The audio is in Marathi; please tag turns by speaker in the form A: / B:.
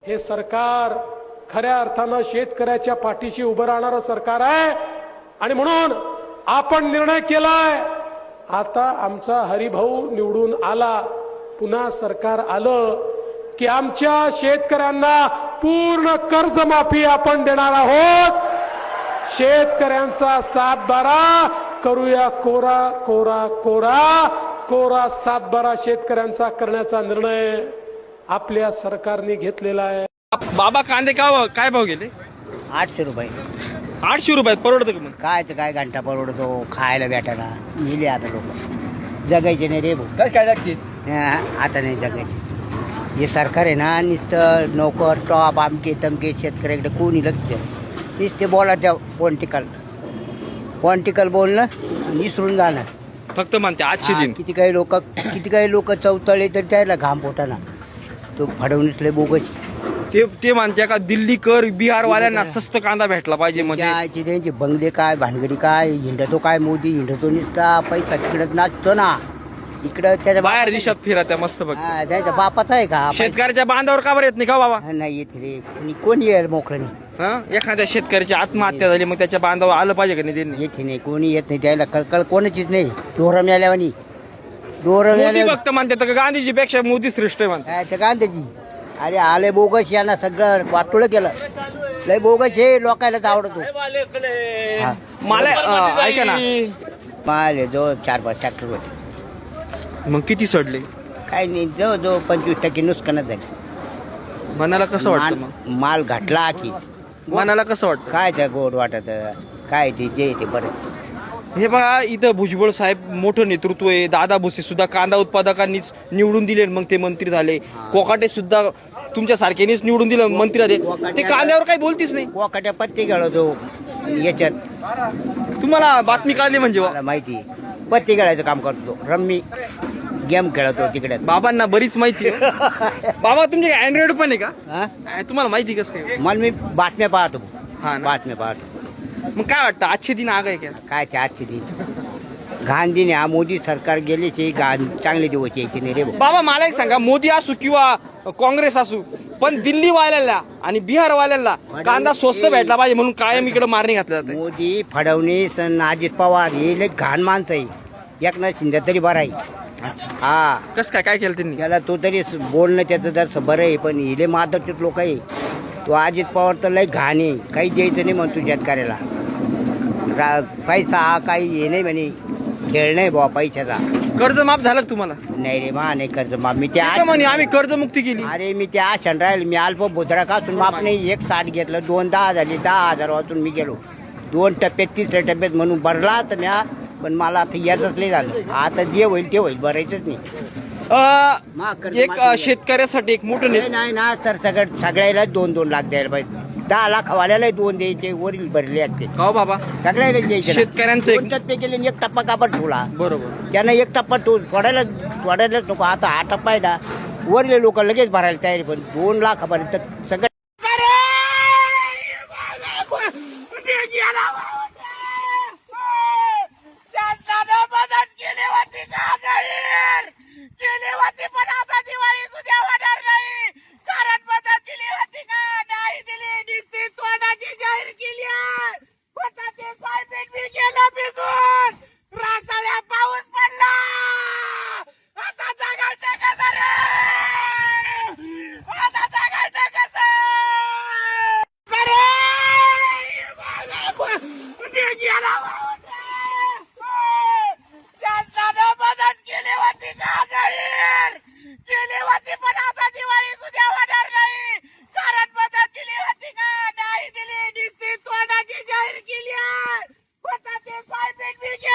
A: हे सरकार खऱ्या अर्थानं शेतकऱ्याच्या पाठीशी उभं राहणारं सरकार आहे आणि म्हणून आपण निर्णय केलाय आता आमचा हरिभाऊ निवडून आला पुन्हा सरकार आलं की आमच्या शेतकऱ्यांना पूर्ण कर्जमाफी आपण देणार आहोत। शेतकऱ्यांचा 7-12 करूया कोरा कोरा कोरा कोरा 7-12 शेतकऱ्यांचा करण्याचा निर्णय आपल्या सरकारने घेतलेला आहे।
B: बाबा कांदे काय भाव गेले?
C: 800 रुपये।
B: 800 रुपयात परवडतं का? मग
C: काय तर काय घंटा परवडतो खायला भेटायला नेले आता लोक जगायचे नाही रे भाऊ
B: काय लागते?
C: आता नाही जगायचे। हे सरकार आहे ना नुसतं नोकर टॉप आमके तमके शेतकऱ्याकडे कोणी लक्ष नुसते बोलायचं पॉलिटिकल बोलणं विसरून जाणं
B: फक्त म्हणते 800 दिन।
C: किती काही लोक चौतळे तर त्याला घाम पोटाना तो फडवणीसले बोगस
B: ते म्हणते का दिल्ली कर बिहार वाल्यांना स्वस्त कांदा भेटला पाहिजे म्हणजे
C: त्यांचे बंगले काय भानगडी काय हिंडतो काय मोदी हिंडतो नुसता पैसा तिकडं नाचतो ना इकडं त्याच्या
B: बाहेर देशात फिरत्या मस्त बघ।
C: त्याच्या बापाचा आहे का
B: शेतकऱ्याच्या बांधावर का बरं येत नाही का बाबा?
C: नाही येत रे कोणी येईल मोकळणी
B: एखाद्या शेतकऱ्याची आत्महत्या झाली मग त्याच्या बांधावर आलं पाहिजे का नाही? त्यांनी
C: येत नाही कोणी येत नाही त्याला कळकळ कोणाचीच नाही डोरं मिळाल्यावानी
B: मोदी फक्त म्हणते का गांधीजी पेक्षा मोदी श्रेष्ठ आहे म्हणते
C: गांधीजी अरे आले बोगस यांना सगळं वाटोळ केलं लय बोगस हे लोकायलाच आवडतो
B: मला ऐका ना
C: माल जो 4-5 ट्रॅक्टर होते
B: मग किती सडले?
C: काही नाही जो 25% नुकसानच झाली।
B: मनाला कसं वाटतं? मग
C: माल घातला की
B: मनाला कसं वाटतं?
C: काय त्या गोड वाटत काय ते बरं।
B: हे बघा इथं भुजबळ साहेब मोठं नेतृत्व आहे। दादा भुसे सुद्धा कांदा उत्पादकांनीच निवडून दिले मग ते मंत्री झाले। कोकाटे सुद्धा तुमच्या सारख्यानेच निवडून दिलं मंत्री झाले। ते कांद्यावर काही बोलतीच नाही।
C: कोकाट्या पत्ती खेळतो याच्यात
B: तुम्हाला बातमी कळली म्हणजे?
C: मला माहिती पत्ती खेळायचं काम करतो रम्मी गेम खेळतो तिकडे
B: बाबांना बरीच माहिती आहे। बाबा तुमचे अँड्रॉइड पण आहे का? तुम्हाला माहिती कसं काय?
C: मला मी बातम्या पाहतो
B: ना?
C: बातम्या पाहतो।
B: मग काय वाटतं आजचे दिन आग आहे का?
C: काय ते आजचे दिन घाण दिन हा मोदी सरकार गेले घाण चांगले दिवस यायचे नाही रे
B: बाबा। मला एक सांगा मोदी असू किंवा काँग्रेस असू पण दिल्ली वाल्याला आणि बिहार वाल्याला कांदा स्वस्त भेटला पाहिजे म्हणून कायम इकडे मारणी घातल्या जाते।
C: मोदी फडणवीस अजित पवार हे लय घाण माणसं आहे। एकनाथ शिंदे तरी बरं आहे हा
B: कस काय केलं त्यांनी?
C: त्याला तो तरी बोलणं त्याचं जर बरं आहे पण हिले माधवचे लोक आहे तो अजित पवार तर लय घाण आहे काही द्यायचं नाही म्हणतो शेतकऱ्याला पैसा हा काही हे नाही म्हणे खेळ नाही बाबा पैशाचा।
B: कर्ज माफ झालं तुम्हाला?
C: नाही रे मा नाही कर्ज माफ मी त्या
B: म्हणे आम्ही कर्जमुक्ती केली।
C: अरे मी त्या आशण राहील मी अल्प भुद्रा कासून माफ नाही 1.60 घेतलं 2 10 झाले 10,000 वाचून मी गेलो 2 टप्प्यात 3ऱ्या टप्प्यात म्हणून भरला तर म्या पण मला आता याचंच नाही झालं आता जे होईल ते होईल भरायचंच नाही।
B: एक शेतकऱ्यासाठी एक मोठं
C: नाही ना सर सगळ्याला 2-2 लाख द्यायला पाहिजे 10 लाख वाल्याला 2 द्यायचे वरील भरले असते
B: का बाबा?
C: सगळ्याला द्यायचे
B: शेतकऱ्यांचं एक
C: टप्पे केले 1 टप्पा कापड ठेवला
B: बरोबर
C: त्यांना 1 टप्पा सोडायलाच नको आता हा टप्पा आहे ना वरले लोक लगेच भरायला तयारी पण 2 लाखापर्यंत सगळं
D: केली होती पण आता दिवाळी सुद्धा होणार नाही कारण मदत दिली होती का नाही दिली नुसती तोंडाची जाहीर केली आहे स्वतःचे सोयाबीन बी गेलं भिजून रासाळ्या पाऊस पडला आता जगायचं कसं रे आता जगायचं कसं शासनानं मदत केली होती का जाहीर केली होती पण आता दिवाळी सुद्धा होणार नाही कारण मदत दिली होती का नाही दिली नुसती तोंडाची जाहीर केली आहे स्वतःचे सोयाबीन बी